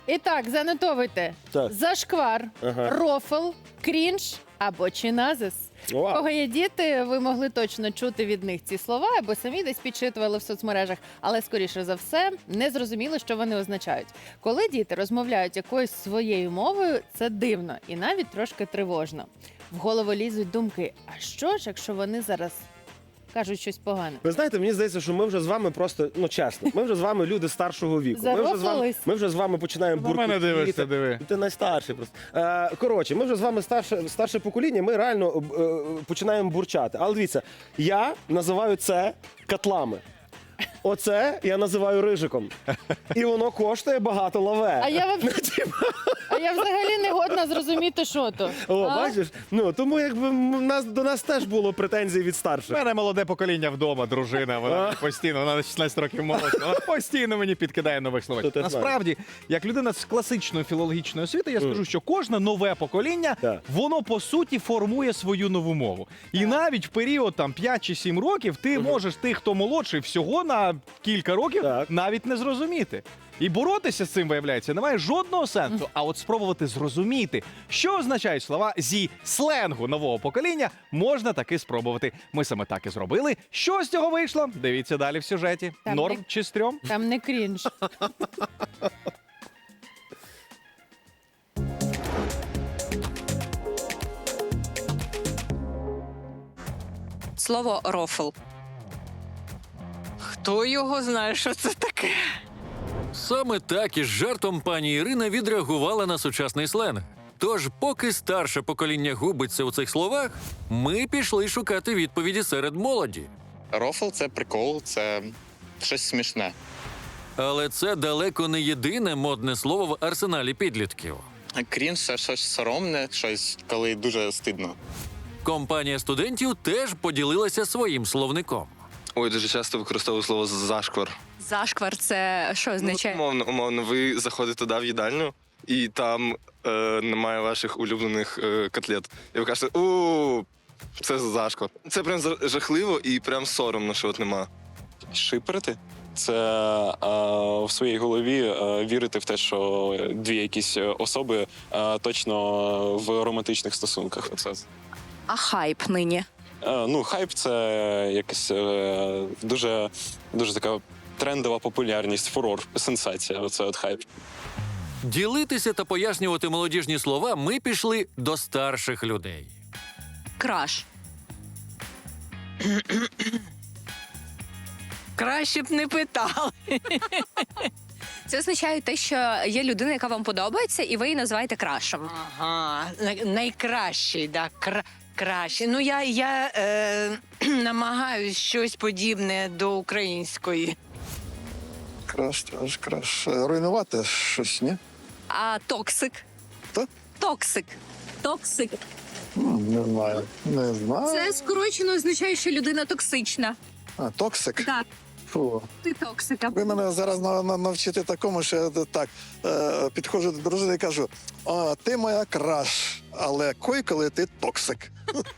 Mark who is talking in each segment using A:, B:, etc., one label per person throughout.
A: І так, занотовуйте.
B: Так.
A: Зашквар,
B: Ага.
A: рофл, крінж або чиназис. У
B: Вау.
A: кого є діти, ви могли точно чути від них ці слова, або самі десь підчитували в соцмережах, але, скоріше за все, не зрозуміли, що вони означають. Коли діти розмовляють якоюсь своєю мовою, це дивно і навіть трошки тривожно. В голову лізуть думки, а що ж, якщо вони зараз кажуть щось погане?
B: Ви знаєте, мені здається, що ми вже з вами просто, ну чесно, ми вже з вами люди старшого віку.
A: Зарофлились?
B: Ми вже з вами починаємо
C: На мене
B: буркотіти.
C: дивишся, диви.
B: Ти найстарший просто. Коротше, ми вже з вами старше покоління, ми реально починаємо бурчати. Але дивіться, я називаю це котлами. Оце я називаю рижиком. І воно коштує багато лаве.
A: А я взагалі не годна зрозуміти, що то.
B: О,
A: А?
B: бачиш? Ну, тому якби до нас теж було претензій від
C: У
B: старших.
C: мене молоде покоління вдома, дружина, вона постійно, вона на 16 років молодша, вона постійно мені підкидає нових
B: То
C: словечок.
B: ти
C: Насправді, як людина з класичної філологічної освіти, я скажу, що кожне нове покоління,
B: Так.
C: воно по суті формує свою нову мову. І навіть в період там 5 чи 7 років ти можеш тих, хто молодший, всього на кілька років
B: Так.
C: навіть не зрозуміти. І боротися з цим, виявляється, немає жодного сенсу. А от спробувати зрозуміти, що означають слова зі сленгу нового покоління, можна таки спробувати. Ми саме так і зробили. Що з цього вийшло? Дивіться далі в сюжеті.
A: Там
C: Норм
A: не-
C: чи стрьом?
A: Там не крінж.
D: Слово рофл. Хто його знає, що це таке?
E: Саме так із жартом пані Ірина відреагувала на сучасний сленг. Тож, поки старше покоління губиться у цих словах, ми пішли шукати відповіді серед молоді.
F: Рофл це прикол, це щось смішне.
E: Але це далеко не єдине модне слово в арсеналі підлітків.
F: Крінж це щось соромне, щось, коли дуже стидно.
E: Компанія студентів теж поділилася своїм словником.
G: Ой, дуже часто використовую слово зашквар.
D: Зашквар це що означає?
G: Умовно, ви заходите туди в їдальню, і там немає ваших улюблених котлет. І ви кажете, це зашквар. Це прям жахливо і прям соромно, що от нема.
H: Шиперити це в своїй голові вірити в те, що дві якісь особи точно в романтичних стосунках. Це
D: А хайп нині.
H: хайп це якась дуже така трендова популярність, фурор, сенсація. Оце от хайп.
E: Ділитися та пояснювати молодіжні слова ми пішли до старших людей.
D: Краш. Краще б не питали. Це означає те, що є людина, яка вам подобається, і ви її називаєте крашем.
I: Ага, найкращий, да, кращий. Ну, я намагаюсь щось подібне до української.
J: Краш. Руйнувати щось, ні?
D: А токсик?
J: Хто?
D: Токсик. Токсик.
J: Не знаю. Не знаю.
D: Це скорочено означає, що людина токсична.
J: Токсик?
D: Так,
J: Фу.
D: ти токсика.
J: Ви мене зараз навчите такому, що я так підходжу до дружини і кажу: ти моя краш, але коли ти токсик.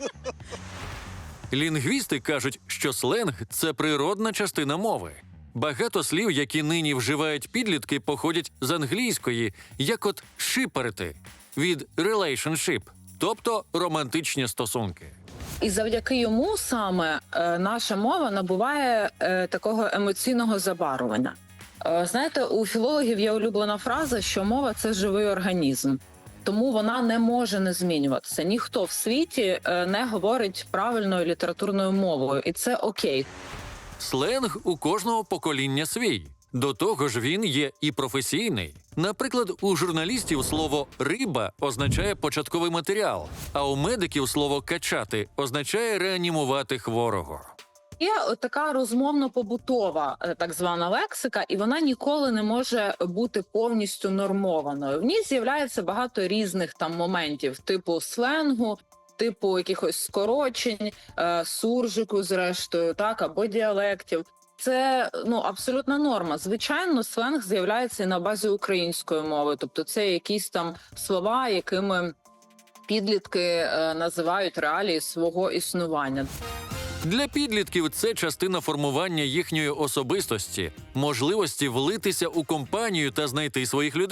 E: Лінгвісти кажуть, що сленг – це природна частина мови. Багато слів, які нині вживають підлітки, походять з англійської, як от «шиперити» від «relationship», тобто романтичні стосунки.
K: І завдяки йому саме наша мова набуває такого емоційного забарвлення. Знаєте, у філологів є улюблена фраза, що мова – це живий організм. Тому вона не може не змінюватися. Ніхто в світі не говорить правильною літературною мовою, і це окей.
E: Сленг у кожного покоління свій. До того ж він є і професійний. Наприклад, у журналістів слово «риба» означає початковий матеріал, а у медиків слово «качати» означає реанімувати хворого.
K: Є така розмовно-побутова так звана лексика, і вона ніколи не може бути повністю нормованою. В ній з'являється багато різних там моментів, типу сленгу, типу якихось скорочень, суржику зрештою, так, або діалектів. Це абсолютна норма. Звичайно, сленг з'являється і на базі української мови. Тобто це якісь там слова, якими підлітки називають реалії свого існування.
E: Для підлітків це частина формування їхньої особистості, можливості влитися у компанію та знайти своїх людей.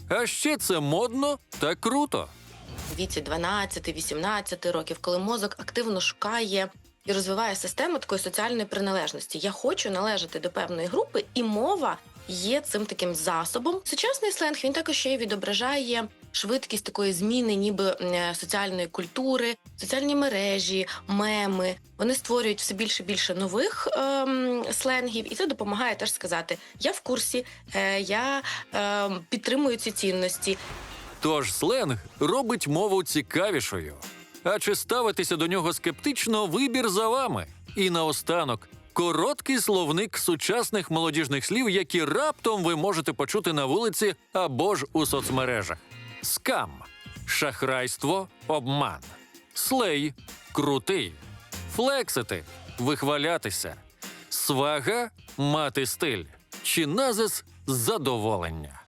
E: А ще це модно та круто.
L: В віці 12-18 років, коли мозок активно шукає і розвиває систему такої соціальної приналежності. Я хочу належати до певної групи, і мова є цим таким засобом. Сучасний сленг, він також ще й відображає швидкість такої зміни ніби соціальної культури, соціальні мережі, меми. Вони створюють все більше і більше нових сленгів, і це допомагає теж сказати: я в курсі, я підтримую ці цінності.
E: Тож сленг робить мову цікавішою. А чи ставитися до нього скептично – вибір за вами. І наостанок – короткий словник сучасних молодіжних слів, які раптом ви можете почути на вулиці або ж у соцмережах. Скам – шахрайство, обман. Слей – крутий. Флексити – вихвалятися. Свага – мати стиль. Чи назис – задоволення.